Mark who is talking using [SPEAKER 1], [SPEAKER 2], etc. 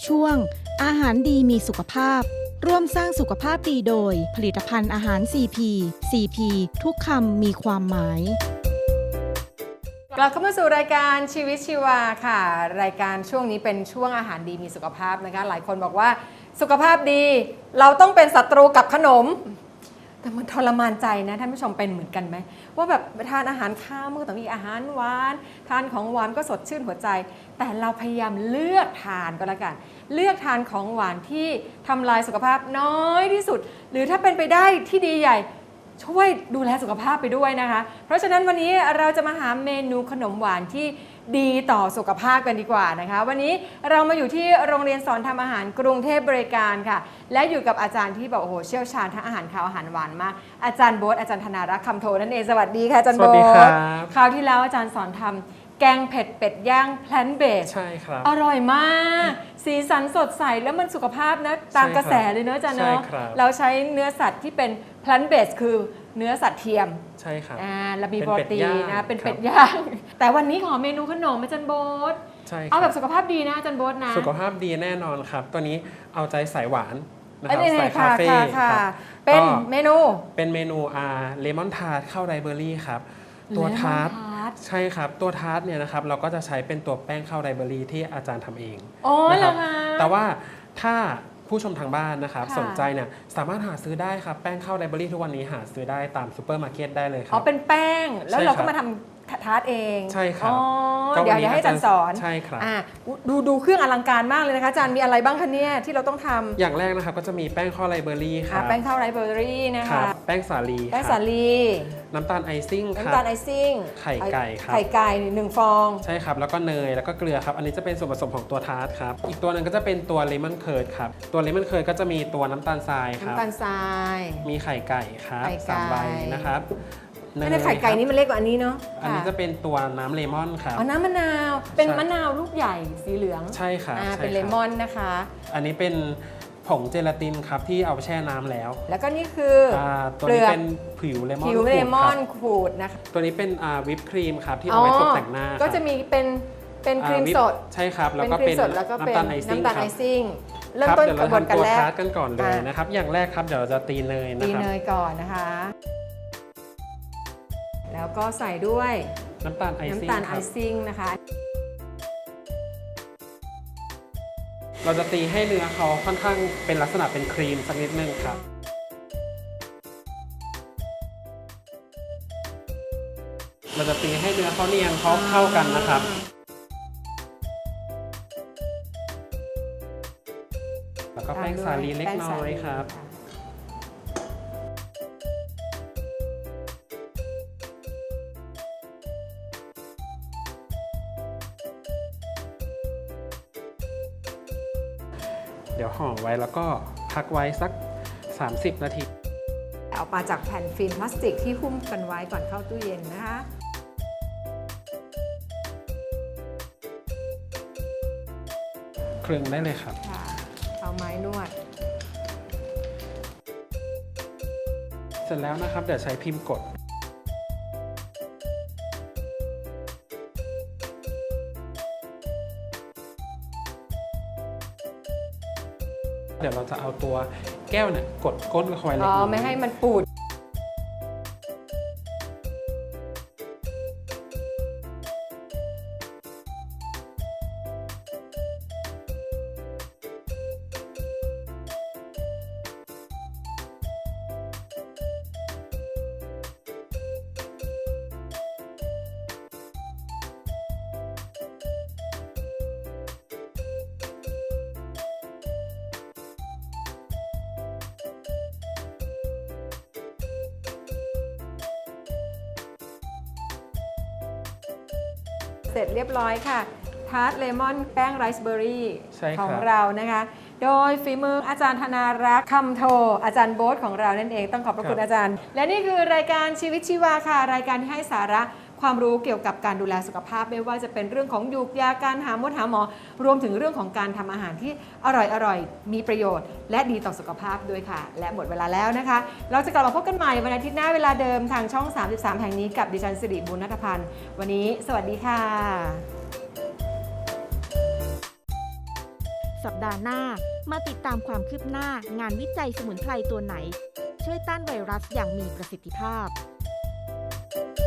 [SPEAKER 1] ช่วงอาหารดีมีสุขภาพร่วมสร้างสุขภาพดีโดยผลิตภัณฑ์อาหาร CP CP ทุกคำมีความหมาย
[SPEAKER 2] กลับเข้ามาสู่รายการชีวิตชีวาค่ะรายการช่วงนี้เป็นช่วงอาหารดีมีสุขภาพนะคะหลายคนบอกว่าสุขภาพดีเราต้องเป็นศัตรูกับขนมแต่มันทรมานใจนะท่านผู้ชมเป็นเหมือนกันไหมว่าแบบทานอาหารข้าวมันก็ต้องมีอาหารหวานทานของหวานก็สดชื่นหัวใจแต่เราพยายามเลือกทานก็แล้วกันเลือกทานของหวานที่ทำลายสุขภาพน้อยที่สุดหรือถ้าเป็นไปได้ที่ดีใหญ่ช่วยดูแลสุขภาพไปด้วยนะคะเพราะฉะนั้นวันนี้เราจะมาหาเมนูขนมหวานที่ดีต่อสุขภาพกันดีกว่านะคะวันนี้เรามาอยู่ที่โรงเรียนสอนทำอาหารกรุงเทพบริการค่ะและอยู่กับอาจารย์ที่บอกโอ้โหเชี่ยวชาญทั้งอาหารคาวอาหารหวานมากอาจารย์โบ๊ทอาจารย์ธนารักษ์คำโทนั่นเองสวัสดีค่ะอาจารย์โบ๊ท
[SPEAKER 3] สวัสดีครับ
[SPEAKER 2] คราวที่แล้วอาจารย์สอนทำแกงเผ็ดเป็ดย่างแพลนเบส
[SPEAKER 3] ใช่ครับ
[SPEAKER 2] อร่อยมากสีสันสดใสแล้วมันสุขภาพนะตามกระแสเลยเนอะอาจารย์เนอะเราใช้เนื้อสัตว์ที่เป็นแพลนเบสคือเนื้อสัตว์เทียม
[SPEAKER 3] ใช่ครับ
[SPEAKER 2] แล้วมีโปรตีนนะเป็นเป็ดย่างแต่วันนี้ขอเมนูขนมอาจารย์โบ๊ท
[SPEAKER 3] ใช่
[SPEAKER 2] เอาแบบสุขภาพดีนะอาจารย์โบ๊ทนะ
[SPEAKER 3] สุขภาพดีแน่นอนครับตัวนี้เอาใจสายหวานนะครับสายคาเฟ่
[SPEAKER 2] เป็นเมนู
[SPEAKER 3] เลมอนทาร์ตข้าวไรเบอรี่ครับตัวทาร์ตใช่ครับตัวทาร์ตเนี่ยนะครับเราก็จะใช้เป็นตัวแป้งข้าวไรเบอรี่ที่อาจารย์ทำเอง
[SPEAKER 2] นะครับ
[SPEAKER 3] แต่ว่าถ้าผู้ชมทางบ้านนะครับสนใจเนี่ยสามารถหาซื้อได้ครับแป้งข้าวไรเบอรี่ทุกวันนี้หาซื้อได้ตามซูเปอร์มาร์เก็ตได้เลยครับ
[SPEAKER 2] เป็นแป้งแล้วเราก็มาทำทาร์ตเอง
[SPEAKER 3] ใช่ครับ
[SPEAKER 2] เดี๋ยวให้อาจารย์สอน
[SPEAKER 3] ใช่ครับ
[SPEAKER 2] ดูเครื่องอลังการมากเลยนะคะอาจารย์มีอะไรบ้างคะเนี่ยที่เราต้องทำ
[SPEAKER 3] อย่างแรกนะครับก็จะมีแป้งข้าวไรเบอรี่ครับ
[SPEAKER 2] แป้งข้าวไรเบอรี่นะคะ
[SPEAKER 3] แป้งสาลีน้ำตาลไอซิ่งครับไข่ไก่ครับ
[SPEAKER 2] ไข่ไก่1 ฟอง
[SPEAKER 3] ใช่ครับแล้วก็เนยแล้วก็เกลือครับอันนี้จะเป็นส่วนผสมของตัวทาร์ตครับอีกตัวหนึ่งก็จะเป็นตัวเลมอนเคิร์ดครับตัวเลมอนเคิร์ดก็จะมีตัวน้ำตาลทรายครับ
[SPEAKER 2] น้ำตาลทราย
[SPEAKER 3] มีไข่ไก่ครับ3 ใบนะครับ
[SPEAKER 2] ไข่ไก่นี่มันเล็กกว่าอันนี้เนาะ
[SPEAKER 3] อันนี้จะเป็นตัวน้ำเลมอนครับ
[SPEAKER 2] น้ำมะนาวเป็นมะนาวลูกใหญ่สีเหลือง
[SPEAKER 3] ใช่ครับ
[SPEAKER 2] เป็นเลมอนนะคะ
[SPEAKER 3] อันนี้เป็นผงเจลาตินครับที่เอาแช่น้ำแล้ว
[SPEAKER 2] ก็นี่คือ
[SPEAKER 3] ตัวนี้เป็นผิวเลมอน
[SPEAKER 2] ขูดนะคะ
[SPEAKER 3] ตัวนี้เป็นวิปครีมครับที่เอาไว้ตกแต่งหน้า
[SPEAKER 2] ก็จะมีเป็นครีมสด
[SPEAKER 3] ใช่ครับแล้วก็เป็นน้ำตาลไอซิ่ง
[SPEAKER 2] เริ่มต้นกระบวนการแรก
[SPEAKER 3] กันก่อนเลยนะครับอย่างแรกครับเดี๋ยวเราจะตีเนยนะครับ
[SPEAKER 2] ตีเนยก่อนนะคะแล้วก็ใส่ด้วย
[SPEAKER 3] น้ำตาลไอ
[SPEAKER 2] ซิ่งนะคะ
[SPEAKER 3] เราจะตีให้เนื้อเขาค่อนข้างเป็นลักษณะเป็นครีมสักนิดนึงครับเราจะตีให้เนื้อเขาเนียนเข้ากันนะครับแล้วก็แป้งสาลีเล็กน้อยครับเดี๋ยวห่อไว้แล้วก็พักไว้สัก30 นาที
[SPEAKER 2] เอามาจากแผ่นฟิล์มพลาสติกที่หุ้มกันไว้ก่อนเข้าตู้เย็นนะคะ
[SPEAKER 3] คลึงได้เลยครับ
[SPEAKER 2] เอาไม้นวด
[SPEAKER 3] เสร็จแล้วนะครับเดี๋ยวใช้พิมพ์กดเดี๋ยวเราจะเอาตัวแก้วเนี่ยกดก้นเข้าไว้เล็กน้อย
[SPEAKER 2] ไม่ให้มันปูดเสร็จเรียบร้อยค่ะทาร์ตเลมอนแป้งไรซ์เบอร์รี่ของเรานะคะโดยฝีมืออาจารย์ธนารักษ์คำโทอาจารย์โบ๊ทของเรานั่นเองต้องขอบพระคุณอาจารย์และนี่คือรายการชีวิตชีวาค่ะรายการที่ให้สาระความรู้เกี่ยวกับการดูแลสุขภาพไม่ว่าจะเป็นเรื่องของยูกยาการหาหมอรวมถึงเรื่องของการทำอาหารที่อร่อยมีประโยชน์และดีต่อสุขภาพด้วยค่ะและหมดเวลาแล้วนะคะเราจะกลับมาพบกันใหม่วันอาทิตย์หน้าเวลาเดิมทางช่อง33แห่งนี้กับดิฉันสิริบุญณัฐพันธ์วันนี้สวัสดีค่ะ
[SPEAKER 1] สัปดาห์หน้ามาติดตามความคืบหน้างานวิจัยสมุนไพรตัวไหนช่วยต้านไวรัสอย่างมีประสิทธิภาพ